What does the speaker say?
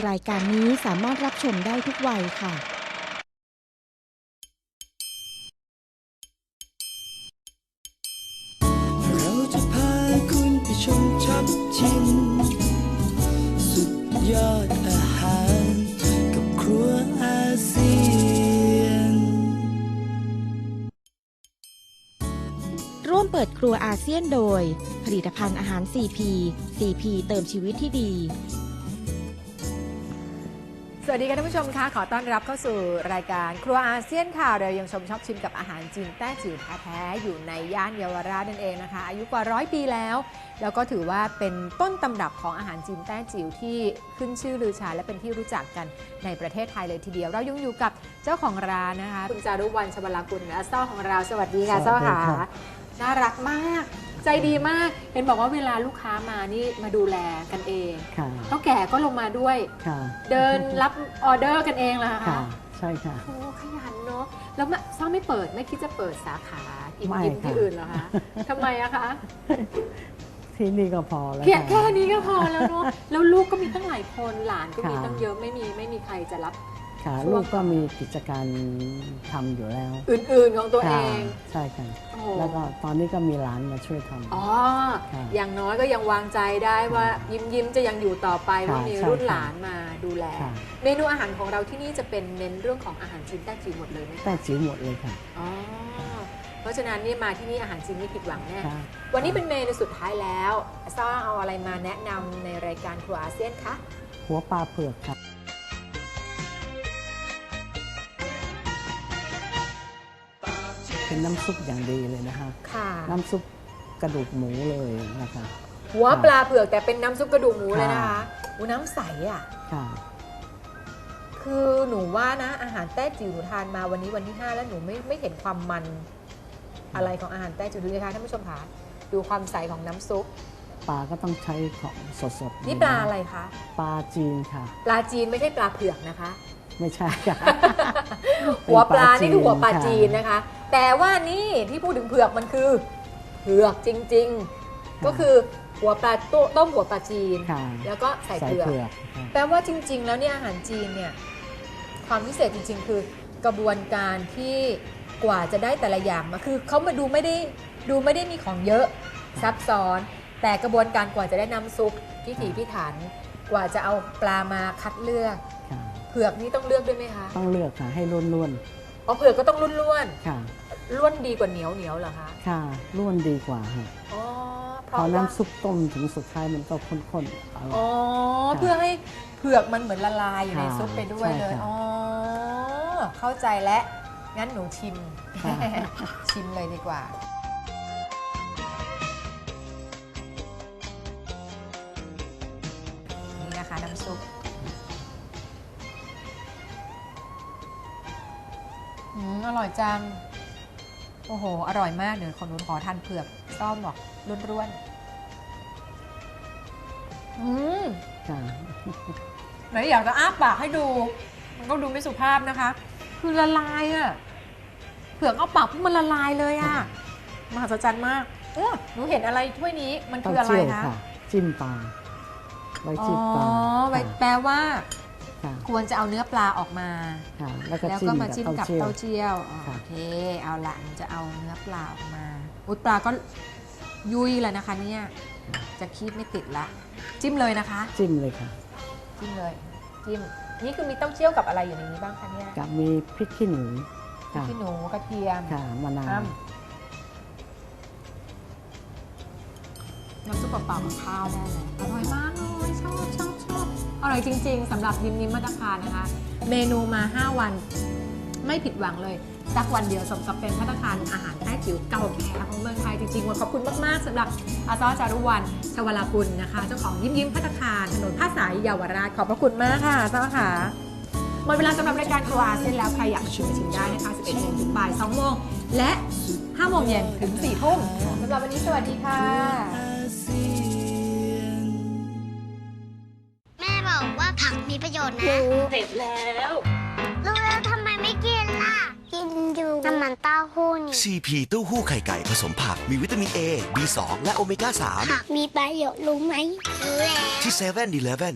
รายการนี้สามารถรับชมได้ทุกวัยค่ะเราจะพาคุณไปชมช็อปชิมสุดยอดอาหารกับครัวอาเซียนร่วมเปิดครัวอาเซียนโดยผลิตภัณฑ์อาหาร CP CP เติมชีวิตที่ดีสวัสดีค่ะท่านผู้ชมคะขอต้อนรับเข้าสู่รายการครัวอาเซียนค่ะเรายังชมชอบชิมกับอาหารจีนแต้จิ๋วแท้ๆอยู่ในย่านเยาวราชนั่นเองนะคะอายุกว่า100 ปีแล้วแล้วก็ถือว่าเป็นต้นตำรับของอาหารจีนแต้จิ๋วที่ขึ้นชื่อลือชาและเป็นที่รู้จักกันในประเทศไทยเลยทีเดียวเรายังอยู่กับเจ้าของร้านนะคะคุณจารุวรรณ ชวลากุลและเจ้าของเราสวัสดีค่ะเจ้าค่ะน่ารักมากใจดีมากเห็นบอกว่าเวลาลูกค้ามานี่มาดูแลกันเองเท่าแก่ก็ลงมาด้วยเดินรับออเดอร์กันเองเหรอคะใช่ค่ะโอ้ขยันเนาะแล้วซ่อมไม่เปิดไม่คิดจะเปิดสาขาอิ่มที่อื่นเหรอคะทำไมอะคะที่นี่ก็พอแล้วแค่นี้ก็พอแล้วเนาะแล้วลูกก็มีตั้งหลายคนหลานก็มีตั้งเยอะไม่มีใครจะรับลูกก็มีกิจการทำอยู่แล้วอื่นๆของตัวเองใช่ค่ะแล้วก็ตอนนี้ก็มีหลานมาช่วยทำอย่างน้อยก็ยังวางใจได้ว่ายิ้มจะยังอยู่ต่อไปว่ามีรุ่นหลานมาดูแลเมนูอาหารของเราที่นี่จะเป็นเน้นเรื่องของอาหารจีนแต้จิ๋วหมดเลยไหมแต้จิ๋วหมดเลยค่ะเพราะฉะนั้นนี่มาที่นี่อาหารจีนไม่ผิดหวังแน่วันนี้เป็นเมนูสุดท้ายแล้วซ่าเอาอะไรมาแนะนำในรายการครัวอาเซียนคะหัวปลาเผือกค่ะเป็นน้ำซุปอย่างดีเลยนะคะน้ำซุปกระดูกหมูเลยนะคะหัวปลาเผือกแต่เป็นน้ำซุปกระดูกหมูเลยนะคะน้ำใสอ่ะคือหนูว่านะอาหารแต้จิ๋วหนูทานมาวันนี้วันที่5แล้วหนูไม่เห็นความมันอะไรของอาหารแต้จิ๋วดูนะคะท่านผู้ชมคะดูความใสของน้ำซุปปลาก็ต้องใช้ของสดๆนี่ปลาอะไรคะปลาจีนค่ะปลาจีนไม่ใช่ปลาเผือกนะคะไม่ใช่ค่ะหัวปลานี่คือหัวปลาจีนนะคะแต่ว่านี่ที่พูดถึงเผือกมันคือเผือกจริงๆก็คือหัวปลาต้มหัวปลาจีนแล้วก็ใส่เผือกแปลว่าจริงๆแล้วเนี่ยอาหารจีนเนี่ยความพิเศษจริงๆคือกระบวนการที่กว่าจะได้แต่ละอย่างมาคือเขามาดูไม่ได้มีของเยอะซับซ้อนแต่กระบวนการกว่าจะได้น้ำซุปพิถีพิถันกว่าจะเอาปลามาคัดเลือกเผือกนี่ต้องเลือกด้วยไหมคะต้องเลือกค่ะให้ล้วนๆเผือกก็ต้องล้วนๆค่ะล้วนดีกว่าเหนียวเหรอคะค่ะล้วนดีกว่าค่ะพอน้ำซุปต้มถึงสุดท้ายมันก็ข้นๆเพื่อให้เผือกมันเหมือนละลายอยู่ในซุปไปด้วยเลยเข้าใจแล้วงั้นหนูชิมเลยดีกว่านี่นะคะน้ำซุปอร่อยจังโอ้โหอร่อยมากเดี๋ยวขอทานเผือกซ่อมบอกร่วนไหนอยากจะอ้าปากให้ดูมันก็ดูไม่สุภาพนะคะคือละลายอ่ะเผือกเอาปากมันละลายเลยอ่ะมหัศจรรย์มากหนูเห็นอะไรถ้วยนี้มันคืออะไรคะจิ้มปลาไว้จิ้มปลาแปลว่าควรจะเอาเนื้อปลาออกมาแล้วก็มาจิ้มกับเต้าเจี้ยวโอเคเอาละจะเอาเนื้อปลาออกมาปลาก็ยุ่ยแล้วนะคะเนี่ยจะคีบไม่ติดละจิ้มเลยนะคะจิ้มเลยค่ะจิ้มเลยจิ้มนี่คือมีเต้าเจี้ยวกับอะไรอยู่ในนี้บ้างคะเนี่ยกับมีพริกขี้หนูกระเทียมมะนาวน้ำซุปเปล่าๆกับข้าวได้เลยอร่อยมากเลยชอบอร่อยจริงๆสำหรับยิ้มมาตรคารนะคะเมนูมา5วันไม่ผิดหวังเลยสักวันเดียวสมกับเป็นภัตตาคารอาหารแต้จิ๋วเก่าแก่ของเมืองไทยจริงๆวันขอบคุณมากๆสำหรับอาซ้อจารุวรรณ ชวลากุลนะคะเจ้าของยิ้มภัตตาคารถนนผ้าสายเยาวราชขอบพระคุณมากค่ะซ้อค่ะหมดเวลาสำหรับรายการครัวอาเซียนแล้วใครอยากชิมได้นะคะ 11 โมงถึงบ่าย 2 โมงและ 5 โมงเย็นถึง 4 ทุ่มสำหรับวันนี้สวัสดีค่ะแม่บอกว่าผักมีประโยชน์นะเสร็จแล้วรู้แล้วทำไมไม่กินล่ะกินอยู่น้ำมันเต้าหู้นี่ CP เต้าหู้ไข่ไก่ผสมผักมีวิตามิน A B2 และโอเมก้า 3 ผักมีประโยชน์รู้ไหมรู้แล้วที่7-Eleven